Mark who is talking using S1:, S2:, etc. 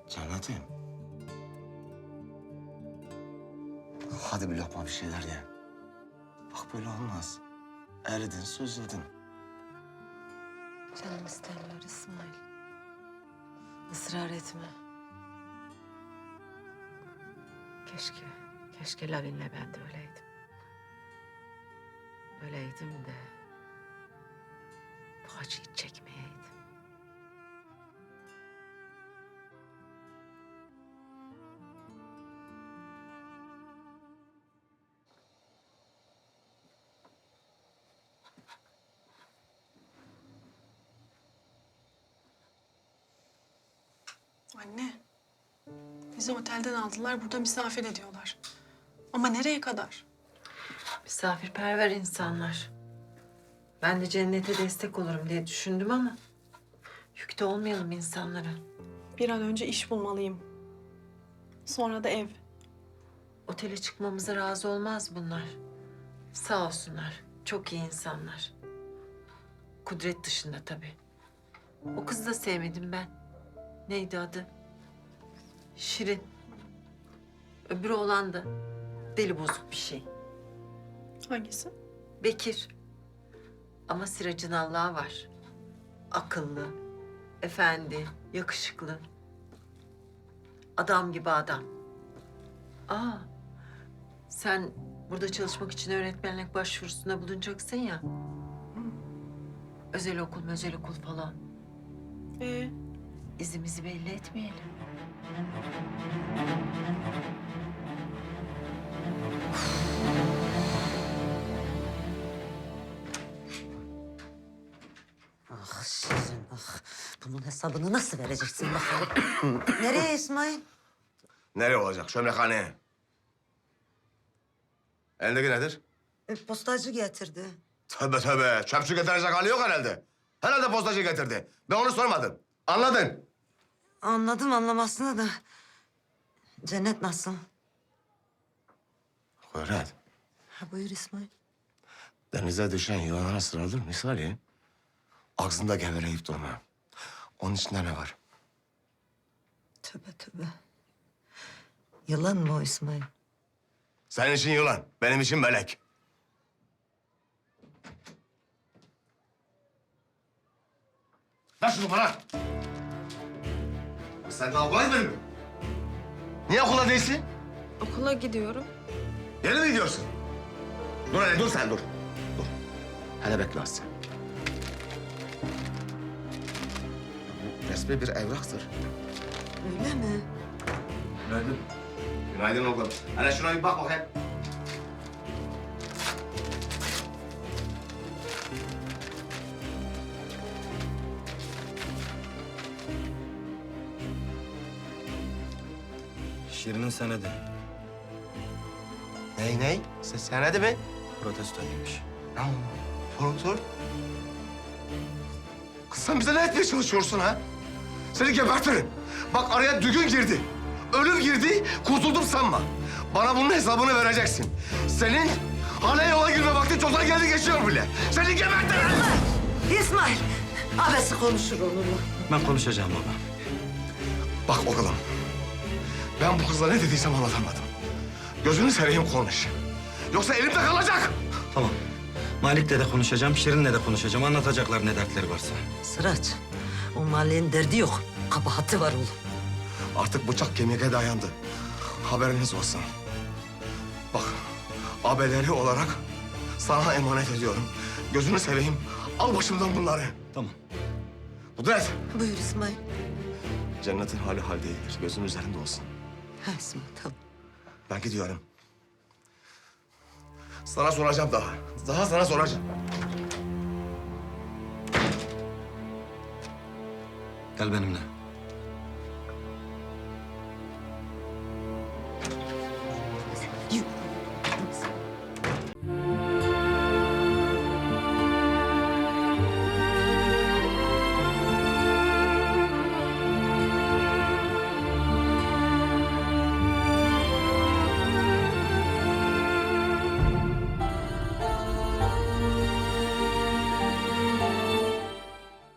S1: Cennetim. Hadi bir lokma bir şeyler ye. Bak böyle olmaz. Eridin, süzüldün.
S2: Canım istemiyor İsmail. Israr etme. Keşke Lavin'le ben de öyleydim. Öyleydim de bu acıyı çekmeyeydim.
S3: Anne, bizi otelden aldılar, burada misafir ediyorlar. Ama nereye kadar?
S2: Misafirperver insanlar. Ben de cennete destek olurum diye düşündüm ama yükte olmayalım insanlara.
S3: Bir an önce iş bulmalıyım. Sonra da ev.
S2: Otele çıkmamıza razı olmaz bunlar. Sağ olsunlar. Çok iyi insanlar. Kudret dışında tabii. O kızı da sevmedim ben. Neydi adı? Şirin. Öbürü olan da deli bozuk bir şey.
S3: Hangisi?
S2: Bekir. Ama Siracın Allah'ı var. Akıllı, efendi, yakışıklı. Adam gibi adam. Aa, sen burada çalışmak için öğretmenlik başvurusunda bulunacaksın ya. Özel okul falan. İzimizi belli etmeyelim.
S4: Ah Şirin, ah. Bunun hesabını nasıl vereceksin bakalım? Nereye İsmail?
S1: Nereye olacak? Çömlekhaneye. Elindeki nedir?
S4: Postacı getirdi.
S1: Tövbe tövbe. Çöpçü getirecek hali yok herhalde. Herhalde postacı getirdi. Ben onu sormadım. Anladın?
S4: Anladım anlamasını da. Cennet nasıl?
S1: Kudret.
S4: Ha buyur İsmail.
S1: Denize düşen yılana sıralır misali. Ağzında geveleyip durma. Onun içinde ne var?
S4: Tövbe tövbe. Yılan mı o İsmail?
S1: Senin için yılan, benim için melek. Ver şunu bana. Sen daha okula gitmedin mi? Niye okula değilsin?
S3: Okula gidiyorum.
S1: Yeni mi gidiyorsun? Dur hele, dur sen, dur. Dur. Hele bekle az sen. Bu resmi bir evraktır.
S4: Öyle mi?
S1: Günaydın. Günaydın oğlum. Hele şuna bir bak bakayım.
S5: Şirin'in senedi.
S1: Ney? Senedi mi?
S5: Protestoymuş.
S1: Ne oldu? Profesör? Kız sen bize ne etmeye çalışıyorsun ha? Seni gebertirim. Bak araya düğün girdi. Ölüm girdi, kurtuldum sanma. Bana bunun hesabını vereceksin. Senin hala yola girme vakti çoktan geldi geçiyor bile. Seni gebertirim.
S4: İsmail! Abesi konuşur onunla.
S5: Ben konuşacağım baba.
S1: Bak oğlum, ben bu kızla ne dediysem anlatamadım. Gözünü seveyim konuş. Yoksa elimde kalacak.
S5: Tamam. Malik'le de konuşacağım, Şirin'le de konuşacağım. Anlatacaklar ne dertleri varsa.
S4: Sıraç, o mahallenin derdi yok. Kabahati var oğlum.
S1: Artık bıçak kemiğe dayandı. Haberiniz olsun. Bak, abeleri olarak sana emanet ediyorum. Gözünü seveyim, al başımdan bunları.
S5: Tamam.
S1: Kudret,
S4: Buyur İsmail.
S1: cennetin hali hal değildir. Gözün üzerinde olsun.
S4: Ha İsmail tamam.
S1: Ben gidiyorum. Sana soracağım daha. Daha sana soracağım.
S5: Gel benimle.